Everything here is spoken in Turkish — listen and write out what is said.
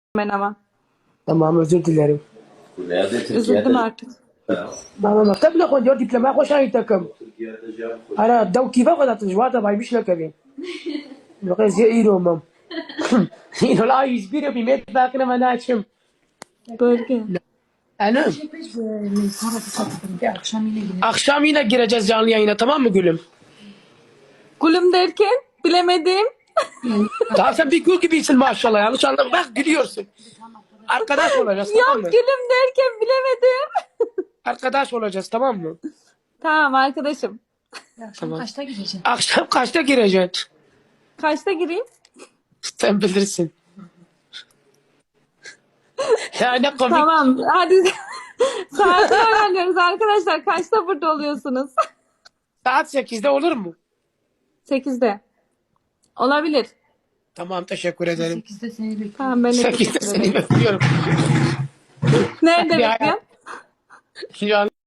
ben ama. Tamam, özür dilerim. Üzüldüm artık. بابا مكتب ناخد يودي دبلوماسي خوش هاي تكم. أنا دو كيف أخذ أتجوات باي مش لكبي. لقيت زي إيرو مم. إيرو لا يزبير بيمت باكنا ما ناشم. Bölge. أنا akşam yine gireceğiz canlı yayına, tamam mı gülüm? Gülüm derken bilemedim. Tamam, sen bir gül gibisin maşallah, yanlış anlama, bak gülüyorsun. Arkadaş olacağız, tamam Yok mı? gülüm derken bilemedim. Arkadaş olacağız, tamam mı? Tamam arkadaşım. Tamam. Akşam kaçta gireceksin? Kaçta gireyim? Sen bilirsin. Ya ne komik. Tamam hadi. Saati öğreniyoruz arkadaşlar. Kaçta burada oluyorsunuz? Saat 8'de olur mu? 8'de. Olabilir. Tamam, teşekkür ederim. 8'de seni bekliyorum. Tamam ben de 8'de teşekkür ederim. seni bekliyorum. Nerede Bir hayal- bekliyorsun? Ya